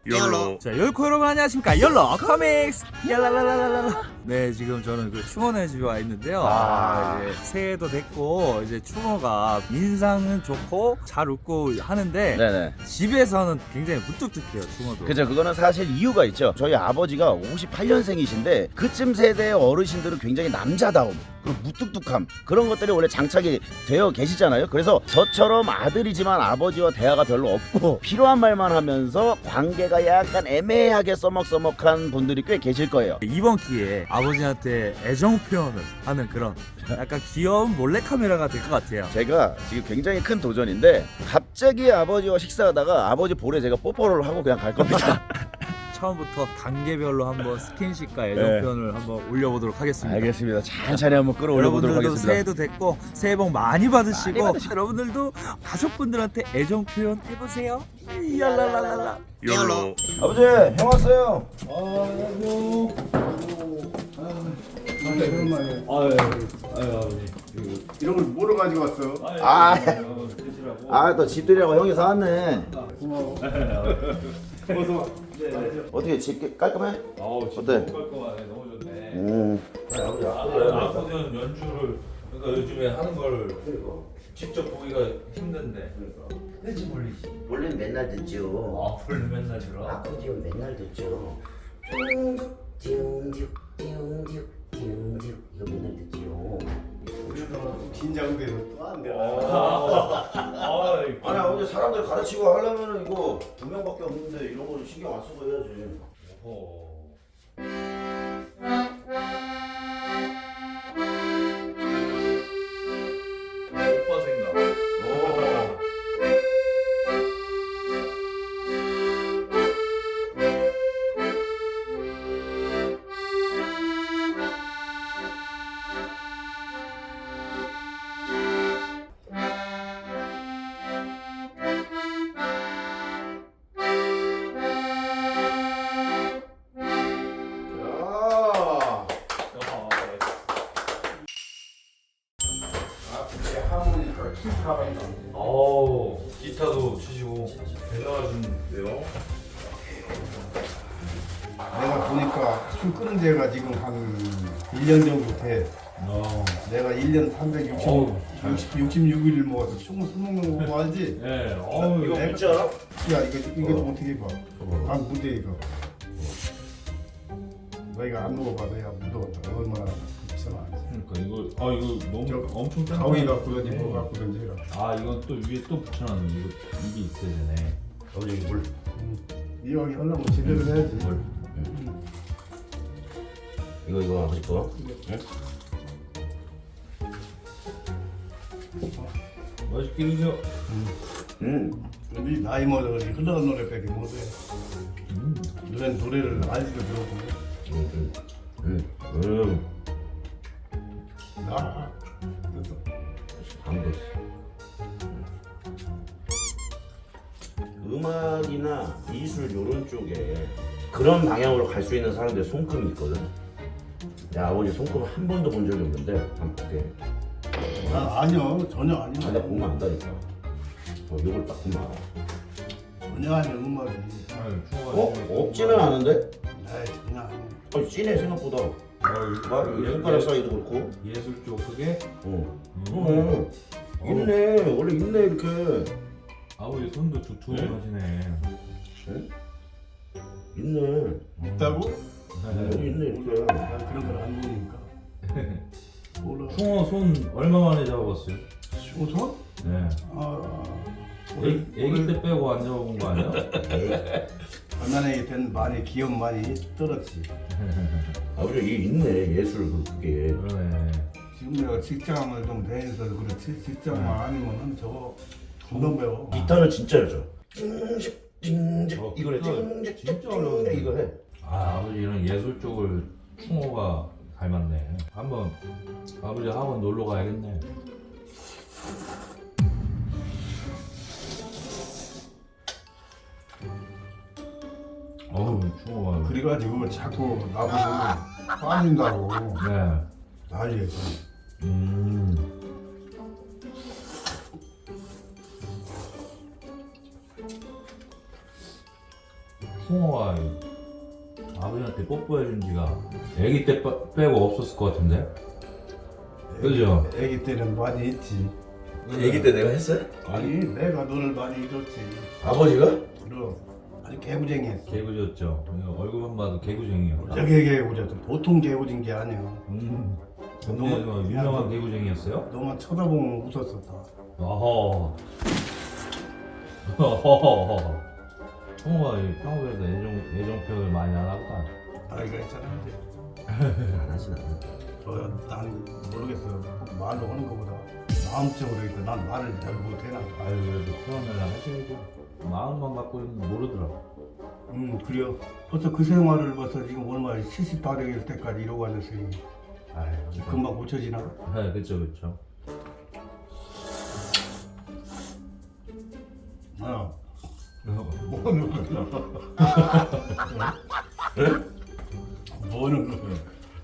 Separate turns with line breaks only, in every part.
열로.
자, 열코 여러분 안녕하십니까? 열로 커믹스 열라라라라라. 네, 지금 저는 그 충원의 집에 와 있는데요. 이제 새해도 됐고 이제 충어가 인상은 좋고 잘 웃고 하는데
네네.
집에서는 굉장히 무뚝뚝해요, 충어도.
그죠. 그거는 사실 이유가 있죠. 저희 아버지가 58년생이신데 그쯤 세대의 어르신들은 굉장히 남자다움 그리고 무뚝뚝함 그런 것들이 원래 장착이 되어 계시잖아요. 그래서 저처럼 아들이지만 아버지와 대화가 별로 없고 필요한 말만 하면서 관계가 약간 애매하게 써먹써먹한 분들이 꽤 계실 거예요.
이번 기회에 아버지한테 애정 표현을 하는 그런 약간 귀여운 몰래카메라가 될 것 같아요.
제가 지금 굉장히 큰 도전인데 갑자기 아버지와 식사하다가 아버지 볼에 제가 뽀뽀를 하고 그냥 갈 겁니다.
처음부터 단계별로 한번 스킨십과 애정
네.
표현을 한번 올려보도록 하겠습니다.
알겠습니다. 천천히 한번 끌어올려 보도록
여러분들도
하겠습니다.
새해도 됐고 새해 복 많이 받으시고
많이 받으시고.
여러분들도 가족분들한테 애정 표현 해보세요. 얄랄랄랄라.
열로.
아버지 형 왔어요.
이런 걸 뭐로 가지고 왔어?
또 집들이라고 형이 사왔네. 어떻게 집 깔끔해? 어때?
깔끔하네. 너무 좋네.
아버지
아버지는 연주를 그러니까 요즘에 하는 걸 직접 보기가 힘든데. 그렇지 몰리지.
원래는 맨날 듣죠.
아 원래 맨날 들어.
아버지는 맨날 듣죠. 띵죽 띵죽 띵죽 이거 맨날 듣죠.
긴장돼서 또 안 돼.
아니 아버지 사람들 가르치고 하려면은 이거 두 명밖에 없는데 이런 거는 신경 안 쓰고 해야지.
오빠 생각. 어우 기타도 치시고 대단하신데요.
내가 보니까 술 끄는 데가 지금 한 1년 정도 돼. 내가 1년 366일 먹어서 술 먹는 거 알지?
네. 어우
이거
내가-
뭔지 알아?
야 이거 좀 어떻게 해봐. 아 무대 이거. 너희가 안 먹어봐도 야 무더웠다. 얼마나 비싸나.
그러니까 이거 너무
저
엄청
가위
짠데.
갖고든지 뭐 갖고든지 해라.
아 이건 또 위에 또 붙여놨는 이게 있어야 되네.
아버지 물.
이왕 하려면 제대로 해야지.
뭘?
이거 아버지 거.
맛있게 드세요.
우리 나이 먹어서 그런지 흘러간 노래밖에 못해. 너는 노래를 알지도 못하고. 나 그래서
음악이나 미술 요런 쪽에 그런 방향으로 갈 수 있는 사람들 손금이 있거든. 내 아버지 손금 한 번도 본 적이 없는데 한번 볼게.
아니요 전혀
아,
아니야.
내가 보면 안다니까. 요걸 딱 보면 알아.
전혀 아니야 음악이.
아유 추워.
없지는 않은데?
에이 전혀 아니야.
찐해 생각보다. 손가락 사이도 그렇고.
예술 쪽 그게
있네. 원래 있네 이렇게.
아버지 손도 두툼하시네.
있네.
있다고?
여기 있네 이렇게.
나 그런 걸 안 보니까. 몰라.
충어 손 얼마 만에 잡아봤어요?
쇼서?
네.
아.
애기 때 빼고 안 잡아본 거 아니야?
장난에 된 많이 기억 많이 떨었지.
아버지 이게 있네 예술 그게.
그러네.
지금 내가 직장을 좀 다녀서 그렇지 직장만 아니면은 저거 금방 배워.
기타는 진짜 여죠. 띵직 이거래. 띵직
진짜 어려운데.
이거 해.
아 아버지 이런 예술 쪽을 충어가 닮았네. 한번 아버지 학원 놀러 가야겠네. 어우 충어가.
그래가지고 자꾸 나보고 빠진다고
네.
난리였지.
음. 충호가 아버지한테 뽀뽀해준 지가 애기 때 빼고 없었을 것 같은데? 그죠?
애기 때는 많이 했지.
애기 때 내가 했어요?
아니 내가 너를 많이 줬지.
아버지가?
그럼 아주 개구쟁이했어.
개구졌죠. 얼굴만 봐도 개구쟁이야.
저게 개구쟁이 보통 개구진 게 아니야.
동네에서 유명한 개구쟁이였어요?
너만 쳐다보면 웃었었다.
어허. 어허. 충호가 평소에도 애정 표현을 많이 안 하구나.
나이가 있잖아.
안 하진 않아.
난 모르겠어. 말로 하는 것보다 마음적으로 해서 난 말을 잘 못해나.
아유 그래도 표현을 하셔야죠. 마음만 갖고는 모르더라고.
그래요. 벌써 그 생활을 벌써 지금 얼마 78일 때까지 이러고 앉았으니
아유
금방 고쳐지나?
네 그쵸 그쵸.
뭐는 거야? 뭐는 거야?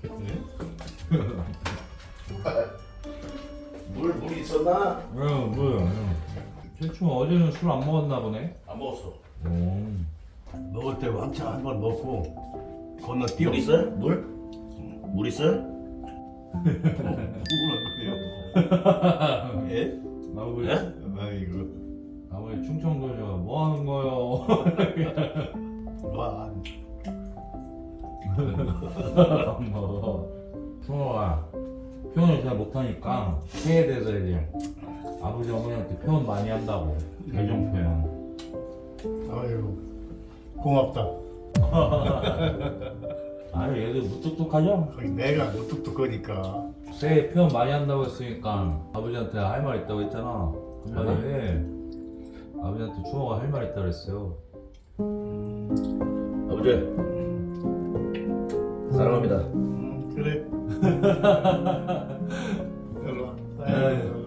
물 있었나?
뭐야? 최충 어제는 술 안 먹었나 보네.
안 먹었어.
먹을 때 왕창 한 번 먹고 건너뛰어.
물 있어요? 물? 물 있어요?
뭐라고요? 예?
아버지,
예?
아이고.
아버지 충청도죠. 뭐 하는 거요?
와.
충호가 표현을 잘 못하니까 새에 대해서 이제 아버지 어머니한테 표현 많이 한다고. 애정 표현.
아유. 고맙다.
아유 얘도 무뚝뚝하죠?
거기 내가 무뚝뚝하니까.
새 표현 많이 한다고 했으니까 아버지한테 할 말 있다고 했잖아. 한마디 해. 아버지한테 충호가 할 말 있다 그랬어요.
아버지 사랑합니다.
그래. 일로 와.
아유.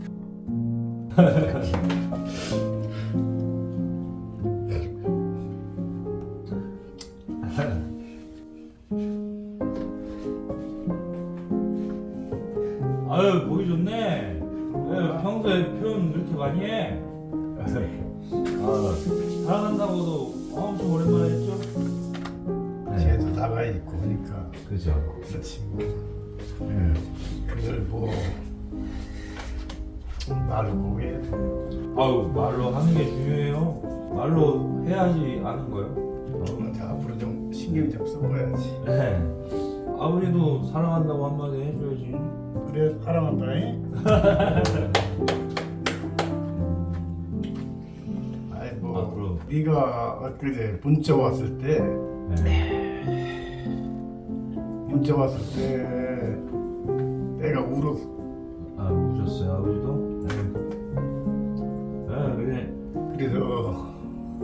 아유 보기 좋네. 왜 평소에 표현 이렇게 많이 해? 아, 사랑한다고도 엄청 오랜만에 했죠?
쟤도 나가 있고 그러니까.
그죠.
그렇지 뭐. 그걸 뭐 말로 꼭 해야 돼.
아유 말로 하는 게 중요해요. 말로 해야지 아는 거요.
자, 앞으로 좀 신경 좀 써봐야지.
네. 아버지도 사랑한다고 한마디 해줘야지.
그래 사랑한다. 잉? 아이 뭐
앞으로.
네가 엊그제 문자 왔을 때 문자 왔을 때 내가 울었어.
아 우셨어요 아버지도? 네. 그래.
그래서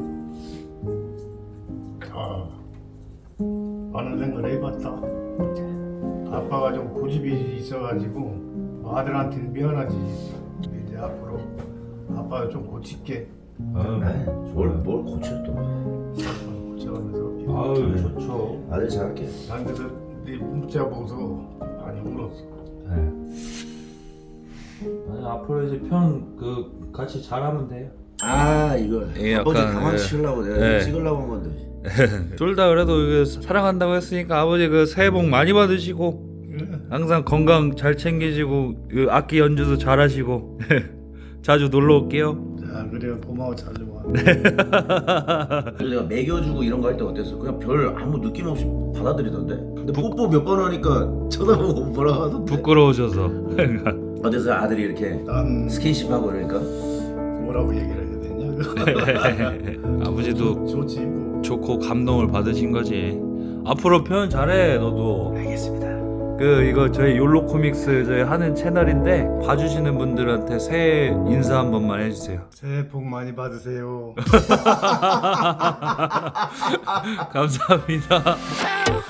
많은 생각을 해봤다. 아빠가 좀 고집이 있어가지고 아들한테는 미안하지. 근데 이제 앞으로 아빠가 좀 고칠게.
뭘 고쳐 또.
고쳐가면서.
아유 좋죠.
아들 잘할게.
난 그래서 네 문자 보고서 많이 울었어.
네. 아니 앞으로 이제 편 그 같이 잘하면 돼요.
아 이거
예,
아버지
약간,
당황시키려고 내가
예.
이거 찍으려고 한 건데.
둘 다 그래도 이거 사랑한다고 했으니까 아버지 그 새해 복 많이 받으시고 항상 건강 잘 챙기시고 그 악기 연주도 잘하시고 자주 놀러 올게요.
자 그래 고마워 자주 와.
그래서 내가 먹여주고 이런 거 할 때 어땠어? 그냥 별 아무 느낌 없이 받아들이던데. 근데 뽀뽀 몇 번 하니까 쳐다보고 뭐라 하던데.
부끄러우셔서.
어때서 아들이 이렇게
난
스킨십하고 그러니까?
뭐라고 얘기를 해야 되냐?
아버지도
좋지 뭐.
좋고 감동을 받으신 거지. 앞으로 표현 잘해 너도.
알겠습니다.
그 이거 저희 욜로 코믹스 저희 하는 채널인데 봐주시는 분들한테 새해 인사 한 번만 해주세요.
새해 복 많이 받으세요.
감사합니다.